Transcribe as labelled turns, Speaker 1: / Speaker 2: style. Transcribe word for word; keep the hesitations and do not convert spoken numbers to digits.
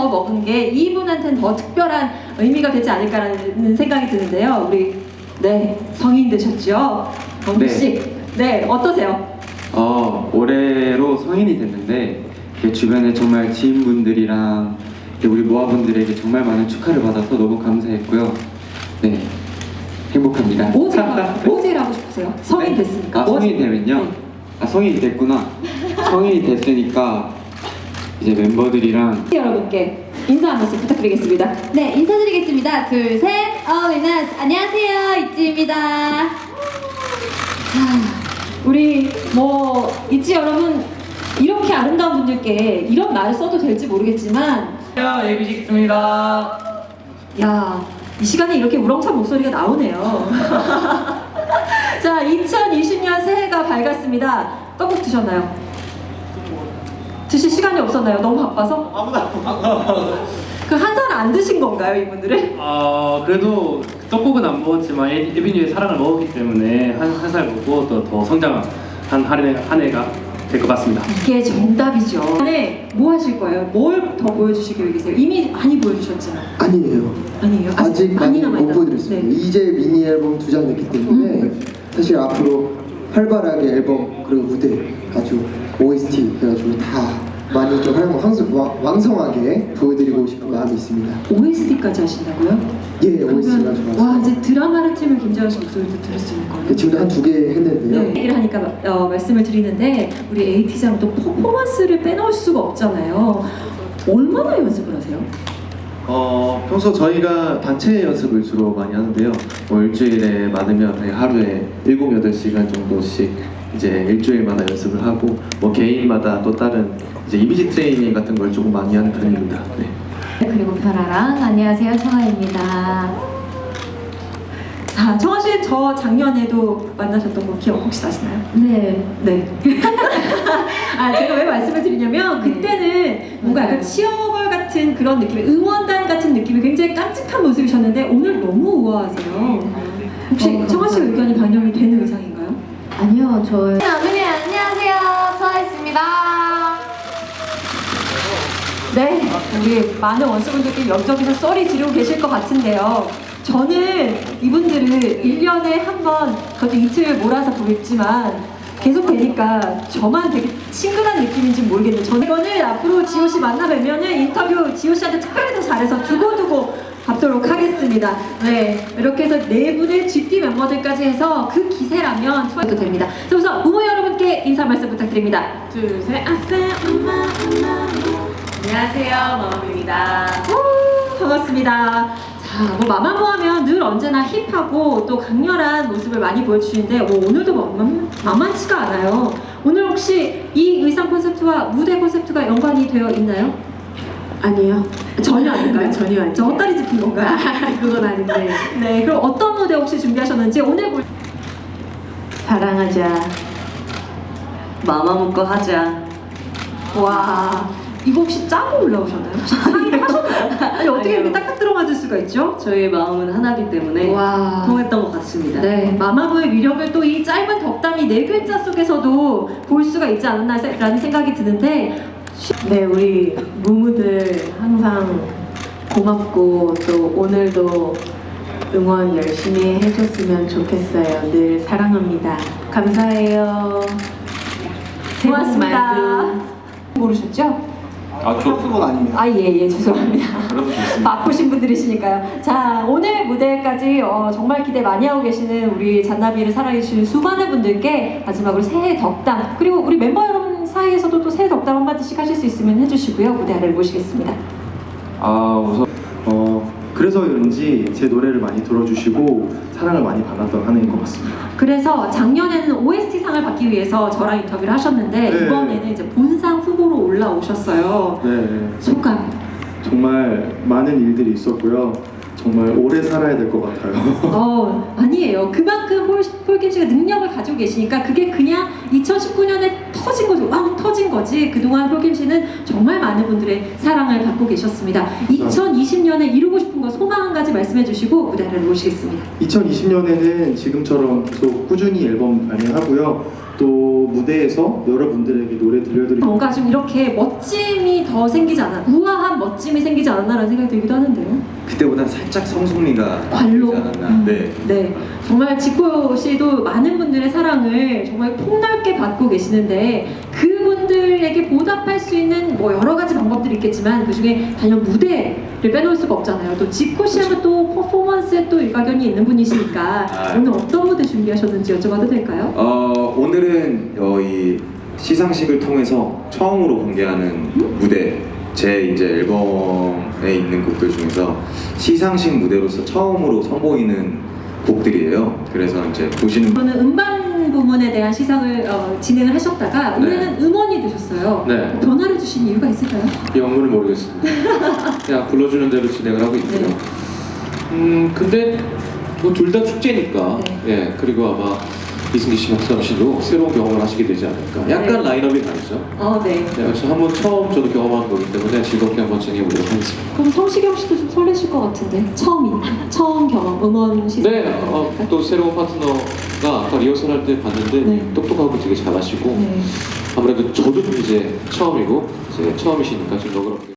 Speaker 1: 먹은 게 이분한테는 더 특별한 의미가 되지 않을까라는 생각이 드는데요. 우리 네 성인 되셨죠? 범규 씨. 네. 네, 어떠세요?
Speaker 2: 어, 올해로 성인이 됐는데 주변에 정말 지인분들이랑 우리 모아분들에게 정말 많은 축하를 받아서 너무 감사했고요. 네, 행복합니다.
Speaker 1: 뭐 제일, 뭐 제일 하고 싶으세요? 성인
Speaker 2: 네?
Speaker 1: 됐으니까.
Speaker 2: 아, 성인 되면요?
Speaker 1: 네.
Speaker 2: 아, 성인이 됐구나. 성인이 됐으니까 이제 멤버들이랑
Speaker 1: 여러분께 인사 한 말씀 부탁드리겠습니다.
Speaker 3: 네, 인사드리겠습니다. 둘, 셋. 어웨이나스 안녕하세요, 이지입니다.
Speaker 1: 우리 뭐 있지 여러분, 이렇게 아름다운 분들께 이런 말을 써도 될지 모르겠지만
Speaker 4: 안녕하세요, 에이비식스입니다.
Speaker 1: 야, 이 시간에 이렇게 우렁찬 목소리가 나오네요. 자, 이천이십 년 새해가 밝았습니다. 떡국 드셨나요? 드실 시간이 없었나요? 너무 바빠서?
Speaker 4: 아무나.
Speaker 1: 그 한 살 안 드신 건가요, 이분들은?
Speaker 4: 어 그래도 떡국은 안 먹었지만 에- 에비뉴의 사랑을 먹었기 때문에 한 한 살 먹고 또 더 성장한 한 해, 한 해가 될 것 같습니다.
Speaker 1: 이게 정답이죠. 네, 뭐 하실 거예요? 뭘 더 보여주실 계획이세요? 이미 많이 보여주셨지만.
Speaker 5: 아니에요.
Speaker 1: 아니에요?
Speaker 5: 아직 많이 못
Speaker 1: 남아있다.
Speaker 5: 보여드렸습니다.
Speaker 1: 네.
Speaker 5: 이제 미니 앨범 두 장 냈기 때문에
Speaker 1: 음.
Speaker 5: 사실 앞으로 활발하게 앨범 그리고 무대 아주 오에스티 해가지고 다 많이 좀 활용, 황성, 왕, 왕성하게 보여드리고 싶은 마음이 있습니다.
Speaker 1: 오에스티까지 하신다고요?
Speaker 5: 예, 오에스티가
Speaker 1: 그러면
Speaker 5: 좋아서.
Speaker 1: 와, 이제 드라마를 틀면 김재환 씨 목소리도 들을 수 있는 거예요.
Speaker 5: 네, 지금도 한 두 개 했는데요.
Speaker 1: 네, 얘기를 하니까 어, 말씀을 드리는데 우리 에이티장도 퍼포먼스를 빼놓을 수가 없잖아요. 얼마나 연습을 하세요?
Speaker 6: 어, 평소 저희가 단체 연습을 주로 많이 하는데요. 뭐 일주일에 많으면 거의 하루에 일곱, 여덟 시간 정도씩 이제 일주일마다 연습을 하고 뭐 개인마다 또 다른 이제 이미지 트레이닝 같은 걸 조금 많이 하는 편입니다. 네.
Speaker 3: 그리고 별아랑 안녕하세요, 청아입니다.
Speaker 1: 자, 청아 씨 저 작년에도 만나셨던 거 기억 혹시 나시나요?
Speaker 3: 네,
Speaker 1: 네. 아, 제가 왜 말씀을 드리냐면 그때는 뭔가 약간 치어걸 같은 그런 느낌의 응원단 같은 느낌이 굉장히 깜찍한 모습이셨는데 오늘 너무 우아하세요. 혹시
Speaker 3: 어,
Speaker 1: 청아 씨 의견이 반영이 되는 의상인가요?
Speaker 3: 아니요, 저. 어머니 안녕하세요, 청아입니다.
Speaker 1: 네, 우리 많은 원수분들께 여기저기서 썰이 지르고 계실 것 같은데요. 저는 이분들을 일 년에 한 번, 그것도 이틀 몰아서 보겠지만 계속 뵈니까 저만 되게 친근한 느낌인지 모르겠는데 저는 이거는 앞으로 지호 씨 만나 뵈면은 인터뷰 지호 씨한테 특별히 더 잘해서 두고두고 받도록 하겠습니다. 네, 이렇게 해서 네 분의 지티 멤버들까지 해서 그 기세라면 투어도 됩니다. 자, 우선 부모 여러분께 인사 말씀 부탁드립니다.
Speaker 7: 둘, 셋, 아싸, 엄마, 엄마. 안녕하세요, 마마입니다.
Speaker 1: 우, 반갑습니다. 자, 뭐 마마무 하면 늘 언제나 힙하고 또 강렬한 모습을 많이 보여주시는데 뭐 오늘도 만, 만만치가 않아요. 오늘 혹시 이 의상 콘셉트와 무대 콘셉트가 연관이 되어 있나요?
Speaker 7: 아니요.
Speaker 1: 전혀 아닌가요?
Speaker 7: 네, 전혀 아니에요.
Speaker 1: 저 헛다리 짚은 건가요?
Speaker 7: 아, 그건 아닌데.
Speaker 1: 네, 그럼 어떤 무대 혹시 준비하셨는지 오늘 볼...
Speaker 7: 사랑하자. 마마 먹고 하자.
Speaker 1: 와, 이거 혹시 짜고 올라오셨나요? 상의를 하셨나요? 아니, 어떻게 이렇게
Speaker 7: 아니요.
Speaker 1: 딱딱 들어맞을 수가 있죠?
Speaker 7: 저희의 마음은 하나기 때문에
Speaker 1: 와.
Speaker 7: 통했던 것 같습니다.
Speaker 1: 네, 마마무의 위력을 또 이 짧은 덕담이 네 글자 속에서도 볼 수가 있지 않았나라는 생각이 드는데
Speaker 7: 네, 우리 무무들 항상 고맙고 또 오늘도 응원 열심히 해줬으면 좋겠어요. 늘 사랑합니다. 감사해요. 새해 복
Speaker 1: 고맙습니다.
Speaker 7: 많이
Speaker 1: 모르셨죠?
Speaker 2: 아, 저
Speaker 5: 그건 아닙니다.
Speaker 1: 아, 예, 예, 죄송합니다.
Speaker 2: 그래도 좋습니다.
Speaker 1: 바쁘신 분들이시니까요. 자, 오늘 무대까지 어, 정말 기대 많이 하고 계시는 우리 잔나비를 사랑해주신 수많은 분들께 마지막으로 새해 덕담, 그리고 우리 멤버 여러분 사이에서도 또 새해 덕담 한마디씩 하실 수 있으면 해주시고요. 무대 아래를 모시겠습니다.
Speaker 6: 아, 우선 어, 그래서 그런지 제 노래를 많이 들어주시고 사랑을 많이 받았던 한 해인 것 같습니다.
Speaker 1: 그래서 작년에는 오에스티상을 받기 위해서 저랑 인터뷰를 하셨는데
Speaker 6: 네.
Speaker 1: 이번에는 이제 본상 후보로 올라오셨어요.
Speaker 6: 네,
Speaker 1: 소감.
Speaker 6: 정말 많은 일들이 있었고요. 정말 오래 살아야 될 것 같아요.
Speaker 1: 어, 아니에요. 그만큼 폴, 폴킴 씨가 능력을 가지고 계시니까 그게 그냥 이천십구 년에 더 터진 거지, 왕 터진 거지. 그동안 효김 씨는 정말 많은 분들의 사랑을 받고 계셨습니다. 이천이십 년에 이루고 싶은 거 소망 한 가지 말씀해 주시고 무대를 모시겠습니다.
Speaker 8: 이천이십 년에는 지금처럼 계속 꾸준히 앨범 발매하고요. 또 무대에서 여러분들에게 노래 들려드리고
Speaker 1: 뭔가 좀 이렇게 멋짐이 더 생기지 않아, 우아한 멋짐이 생기지 않았나라는 생각이 들기도 하는데요.
Speaker 9: 그때보다 살짝 성숙미가
Speaker 1: 관록.
Speaker 9: 되지 않았나.
Speaker 1: 음,
Speaker 9: 네.
Speaker 1: 네. 정말 지코 씨도 많은 분들의 사랑을 정말 폭넓게 받고 계시는데 그분들에게 보답할 수 있는 뭐 여러 가지 방법들이 있겠지만 그 중에 단연 무대를 빼놓을 수가 없잖아요. 또 지코 씨 하면 또 퍼포먼스에 또 일가견이 있는 분이시니까
Speaker 9: 아.
Speaker 1: 오늘 어떤 무대 준비하셨는지 여쭤봐도 될까요?
Speaker 9: 어, 오늘은 어, 이 시상식을 통해서 처음으로 공개하는 무대, 제 이제 앨범에 있는 곡들 중에서 시상식 무대로서 처음으로 선보이는 곡들이에요. 그래서 이제 보시는
Speaker 1: 저는 음반 부문에 대한 시상을 어, 진행을 하셨다가 올해는 음원이 되셨어요.
Speaker 4: 네.
Speaker 1: 변화를 주신 이유가 있을까요?
Speaker 4: 영문을 모르겠습니다. 그냥 불러주는 대로 진행을 하고 있고요.
Speaker 1: 네.
Speaker 10: 음 근데 뭐 둘 다 축제니까
Speaker 1: 네.
Speaker 10: 예 그리고 아마 이승기 씨, 박수남 씨도 새로운 경험을 하시게 되지 않을까. 약간
Speaker 1: 네.
Speaker 10: 라인업이 다르죠.
Speaker 1: 어, 네.
Speaker 10: 네, 그래서 한번 처음 저도 경험한 거기 때문에 즐겁게 한번 진행해보도록 하겠습니다.
Speaker 1: 그럼 성시경 씨도 좀 설레실 것 같은데 처음이니까 처음 경험 음원 시상.
Speaker 10: 네, 어, 또 새로운 파트너가 아까 리허설 할 때 봤는데
Speaker 1: 네.
Speaker 10: 똑똑하고 되게 잘하시고
Speaker 1: 네.
Speaker 10: 아무래도 저도 이제 처음이고 이제 처음이시니까 좀 너그럽게.